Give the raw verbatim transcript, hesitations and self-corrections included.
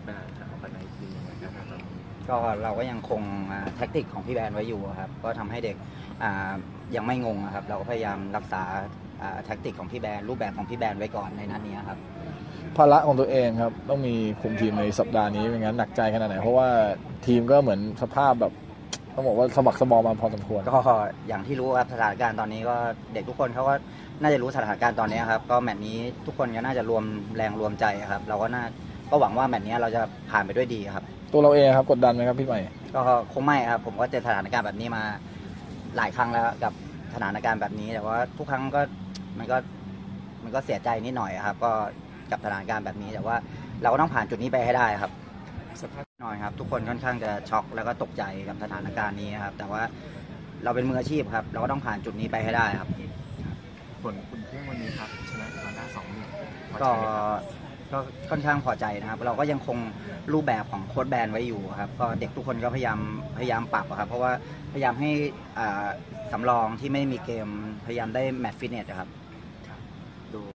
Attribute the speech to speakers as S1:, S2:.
S1: การจะออกไปในทีมยังไงครับ
S2: ก็เราก็ยังคงแท็กติกของพี่แบนไว้อยู่ครับก็ทำให้เด็กยังไม่งงครับเราก็พยายามรักษาแท็กติกของพี่แบนรูปแบบของพี่แบนไว้ก่อนในนัดนี้ครับ
S3: ภาระของตัวเองครับต้องมีคุมทีมในสัปดาห์นี้ไม่งั้นหนักใจขนาดไหนเพราะว่าทีมก็เหมือนสภาพแบบต้องบอกว่าสมัครสมอมาพอสมควร
S2: ก็อย่างที่รู้ครับสถานการณ์ตอนนี้ก็เด็กทุกคนเขาก็น่าจะรู้สถานการณ์ตอนนี้ครับก็แมตช์นี้ทุกคนก็น่าจะรวมแรงรวมใจครับเราก็น่าก็หวังว่าแมตช์นี้เราจะผ่านไปด้วยดีครับ
S3: ตัวเราเองครับกดดันไหมครับพี่ใหม่
S2: ก็คงไม่ครับผมก็เจอสถานการณ์แบบนี้มาหลายครั้งแล้วกับสถานการณ์แบบนี้แต่ว่าทุกครั้งก็มันก็มันก็เสียใจนิดหน่อยครับก็กับสถานการณ์แบบนี้แต่ว่าเราก็ต้องผ่านจุดนี้ไปให้ได้ครับสภาพหน่อยครับทุกคนค่อนข้างจะช็อกแล้วก็ตกใจกับสถานการณ์นี้ครับแต่ว่าเราเป็นมืออาชีพครับเราก็ต้องผ่านจุดนี้ไปให้ได้ครับ
S1: ผลคุณเครื่องวันนี้ครับชนะมาได้สองหนึ่ง
S2: ก็ก็ค่อนข้างพอใจนะครับเราก็ยังคงรูปแบบของโค้ชแบนไว้อยู่ครับก็เด็กทุกคนก็พยายามพยายามปรับครับเพราะว่าพยายามให้สำรองที่ไม่มีเกมพยายามได้แมตช์ฟิตเนสครับ